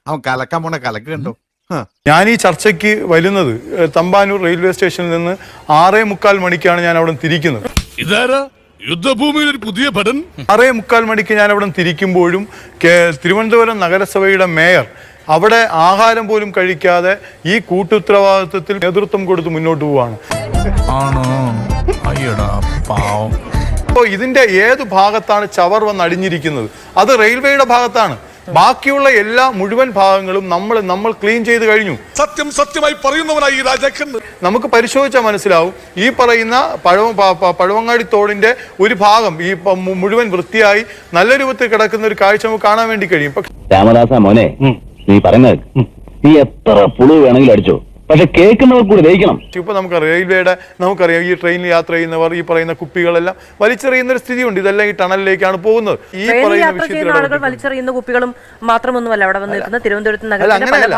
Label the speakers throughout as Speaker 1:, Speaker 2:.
Speaker 1: അവൻ കലക്കാൻ പോണ കലക്ക് കണ്ടോ.
Speaker 2: ഞാൻ ഈ ചർച്ചയ്ക്ക് വരുന്നത് തമ്പാനൂർ റെയിൽവേ സ്റ്റേഷനിൽ നിന്ന് 6:45 മണിക്കാണ് ഞാൻ അവിടെ തിരിക്കുന്നത്.
Speaker 3: ഇതാരാ യുദ്ധഭൂമിയിൽ ഒരു പുതിയ ഭടൻ?
Speaker 2: 6:45 മണിക്ക് ഞാൻ അവിടെ തിരിക്കുമ്പോഴും തിരുവനന്തപുരം നഗരസഭയുടെ മേയർ അവിടെ ആഹാരം പോലും കഴിക്കാതെ ഈ കൂട്ടുത്തരവാദിത്വത്തിൽ നേതൃത്വം കൊടുത്ത് മുന്നോട്ട് പോവാണ്.
Speaker 3: ആണോ? അയ്യടാ പാവം.
Speaker 2: അപ്പോൾ ഇതിന്റെ ഏത് ഭാഗത്താണ് ചവർ വന്ന് അടിഞ്ഞിരിക്കുന്നത്? അത് റെയിൽവേയുടെ ഭാഗത്താണ്. ബാക്കിയുള്ള എല്ലാ മുഴുവൻ ഭാഗങ്ങളും നമ്മൾ ക്ലീൻ ചെയ്ത് കഴിഞ്ഞു.
Speaker 3: സത്യമായി പറയുന്നവനായി ഈ രാജാക്കൻ.
Speaker 2: നമുക്ക് പരിശോധിച്ചാൽ മനസ്സിലാവും ഈ പറയുന്ന പഴവങ്ങാടി തോടിന്റെ ഒരു ഭാഗം ഈ മുഴുവൻ വൃത്തിയായി നല്ല രൂപത്തിൽ കിടക്കുന്ന ഒരു കാഴ്ച നമുക്ക് കാണാൻ വേണ്ടി കഴിയും.
Speaker 4: രാമദാസ മോനെ, നീ പറയുന്നത് നീ എത്ര പുളു വേണമെങ്കിലും അടിച്ചോ, പക്ഷെ കേൾക്കുന്നവർ കൂടി ദഹിക്കണം.
Speaker 2: ഇപ്പൊ നമുക്കറിയാം ഈ ട്രെയിനിൽ യാത്ര ചെയ്യുന്നവർ ഈ പറയുന്ന കുപ്പികളെല്ലാം വലിച്ചെറിയുന്ന ഒരു സ്ഥിതിയുണ്ട്. ഇതെല്ലാം ഈ ടണലിലേക്കാണ് പോകുന്നത്. ഈ പറയുന്ന
Speaker 5: ആളുകൾ വലിച്ചെറിയുന്ന കുപ്പികളും മാത്രമൊന്നുമല്ല അവിടെ വന്ന് നിൽക്കുന്ന തിരുവനന്തപുരത്ത് നഗരത്തിന്റെ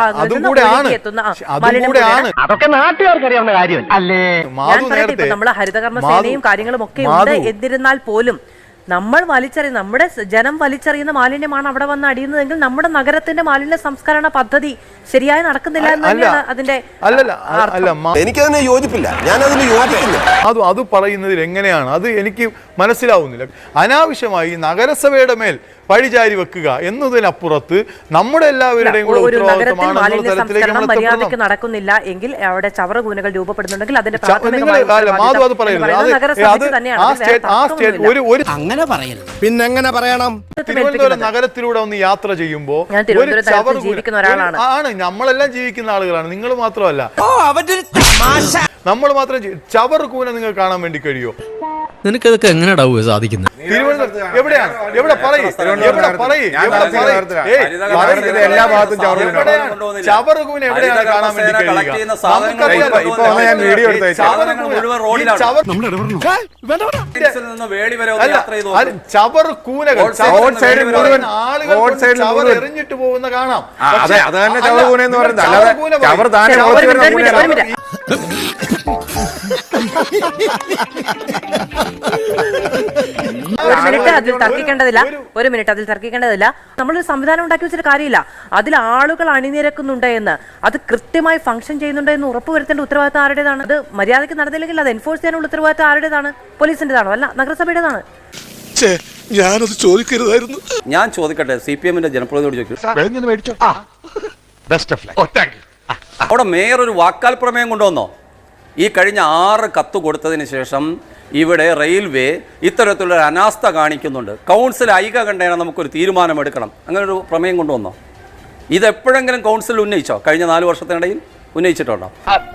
Speaker 4: അതൊക്കെ നാട്ടുകാർക്ക് അറിയാവുന്ന കാര്യമല്ലേ.
Speaker 5: നമ്മള് ഹരിതകർമ്മ സേനയും കാര്യങ്ങളും ഒക്കെ ഉണ്ട്. എന്നിരുന്നാൽ പോലും നമ്മൾ നമ്മുടെ ജനം വലിച്ചെറിയുന്ന മാലിന്യമാണ് അവിടെ വന്ന് അടിയുന്നതെങ്കിൽ നമ്മുടെ നഗരത്തിന്റെ മാലിന്യ സംസ്കരണ പദ്ധതി ശരിയായി നടക്കുന്നില്ല എന്ന് തന്നെയാണ് അതിന്റെ.
Speaker 6: എനിക്കതിനെ യോജിപ്പില്ല, ഞാൻ അതിന് യോജിക്കില്ല.
Speaker 2: അത് പറയുന്നതിൽ എങ്ങനെയാണ് അത് എനിക്ക് മനസ്സിലാവുന്നില്ല. അനാവശ്യമായി നഗരസഭയുടെ മേൽ പഴിചാരി വെക്കുക എന്നതിനപ്പുറത്ത് നമ്മുടെ എല്ലാവരുടെയും
Speaker 5: മര്യാദയ്ക്ക് നടക്കുന്നില്ല എങ്കിൽ അവിടെ ചവറുകൂനകൾ രൂപപ്പെടുന്നുണ്ടെങ്കിൽ അതിന്റെ
Speaker 6: അങ്ങനെ പറയരുത്. പിന്നെ എങ്ങനെ പറയണം?
Speaker 2: തിരുവനന്തപുരം നഗരത്തിലൂടെ ഒന്ന് യാത്ര ചെയ്യുമ്പോ
Speaker 5: ജീവിക്കുന്ന ഒരാളാണ്.
Speaker 2: നമ്മളെല്ലാം ജീവിക്കുന്ന ആളുകളാണ്, നിങ്ങൾ മാത്രമല്ല. നമ്മൾ മാത്രം ചവർ കൂന നിങ്ങൾ കാണാൻ വേണ്ടി കഴിയോ?
Speaker 7: നിനക്കതൊക്കെ എങ്ങനെയാ സാധിക്കുന്നത്?
Speaker 2: തിരുവനന്തപുരം എവിടെയാണ്? എവിടെ പറയും?
Speaker 6: എല്ലാ ഭാഗത്തും
Speaker 2: ചവറുകൂന എവിടെയാണ് കാണാൻ വേണ്ടി കഴിയുക? ചവറുകൂനകൾ ചവർ എറിഞ്ഞിട്ട് പോകുന്ന കാണാം.
Speaker 5: ഒരു മിനിറ്റ് അതിൽ തർക്കിക്കേണ്ടതില്ല. നമ്മളൊരു സംവിധാനം ഉണ്ടാക്കി വെച്ചിട്ട് കാര്യമില്ല. അതിൽ ആളുകൾ അണിനിരക്കുന്നുണ്ട് എന്ന്, അത് കൃത്യമായി ഫംഗ്ഷൻ ചെയ്യുന്നുണ്ട് എന്ന് ഉറപ്പുവരുത്തേണ്ട ഉത്തരവാദിത്തം ആരുടേതാണ്? അത് മര്യാദയ്ക്ക് നടന്നില്ലെങ്കിൽ അത് എൻഫോഴ്സ് ചെയ്യാനുള്ള ഉത്തരവാദിത്തം ആരുടേതാണ്? പോലീസിന്റേതാണോ? അല്ല, നഗരസഭയുടേതാണ്.
Speaker 3: ഞാനത് ചോദിക്കരുതായിരുന്നു.
Speaker 8: ഞാൻ ചോദിക്കട്ടെ, CPM-ന്റെ ജനപ്രതിനിധിയോട് ചോദിക്കും. അവിടെ മേയർ ഒരു വാക്കാൽ പ്രമേയം കൊണ്ടുവന്നോ? ഈ കഴിഞ്ഞ 6 കത്ത് കൊടുത്തതിന് ശേഷം ഇവിടെ റെയിൽവേ ഇത്തരത്തിലുള്ള അനാസ്ഥ കാണിക്കുന്നുണ്ട്, കൗൺസിൽ ഐകകണ്ഠേന നമുക്കൊരു തീരുമാനമെടുക്കണം, അങ്ങനെ ഒരു പ്രമേയം കൊണ്ടുവന്നോ? ഇതെപ്പോഴെങ്കിലും കൗൺസിൽ ഉന്നയിച്ചോ? കഴിഞ്ഞ 4 വർഷത്തിനിടയിൽ ഉന്നയിച്ചിട്ടുണ്ടോ?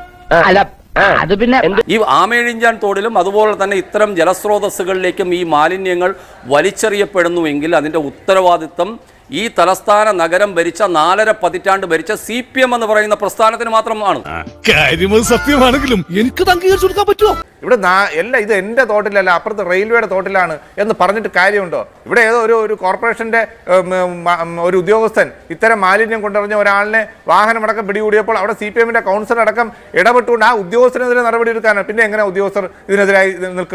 Speaker 8: ഈ ആമേഴിഞ്ചാൻ തോടിലും അതുപോലെ തന്നെ ഇത്തരം ജലസ്രോതസ്സുകളിലേക്കും ഈ മാലിന്യങ്ങൾ വലിച്ചെറിയപ്പെടുന്നുവെങ്കിൽ അതിൻ്റെ ഉത്തരവാദിത്വം ഈ തലസ്ഥാന നഗരം ഭരിച്ച 4.5 പതിറ്റാണ്ട് ഭരിച്ച CPM എന്ന് പറയുന്ന പ്രസ്ഥാനത്തിന് മാത്രമാണ്.
Speaker 3: കാര്യം സത്യമാണെങ്കിലും എനിക്ക് അംഗീകരിച്ചു കൊടുക്കാൻ പറ്റുമോ?
Speaker 6: ഇവിടെ ഇത് എന്റെ തോട്ടിലല്ല, അപ്പുറത്ത് റെയിൽവേയുടെ തോട്ടിലാണ് എന്ന് പറഞ്ഞിട്ട് കാര്യമുണ്ടോ? ഇവിടെ ഏതോ ഒരു കോർപ്പറേഷന്റെ ഒരു ഉദ്യോഗസ്ഥൻ ഇത്തരം മാലിന്യം കൊണ്ടുവന്ന ഒരാളിനെ വാഹനമടക്കം പിടികൂടിയപ്പോൾ അവിടെ CPM-ന്റെ കൗൺസിലർ അടക്കം ഇടപെട്ടുകൊണ്ട് ആ ഉദ്യോഗസ്ഥനെതിരെ നടപടി എടുക്കാനാണ്. പിന്നെ എങ്ങനെ ഉദ്യോഗസ്ഥർ ഇതിനെതിരായി നിൽക്കും?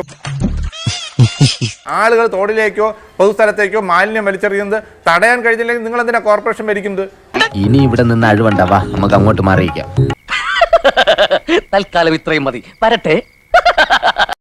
Speaker 6: ആളുകൾ തോടിലേക്കോ പൊതുസ്ഥലത്തേക്കോ മാലിന്യം വലിച്ചെറിയുന്നത് തടയാൻ കഴിഞ്ഞില്ലെങ്കിൽ നിങ്ങൾ എന്തിനാ കോർപ്പറേഷൻ ഭരിക്കുന്നത്?
Speaker 4: ഇനി ഇവിടെ നിന്ന് അഴിവണ്ടാവാ, നമുക്ക് അങ്ങോട്ട് മാറിയിക്കാം. തൽക്കാലം ഇത്രയും മതി. വരട്ടെ.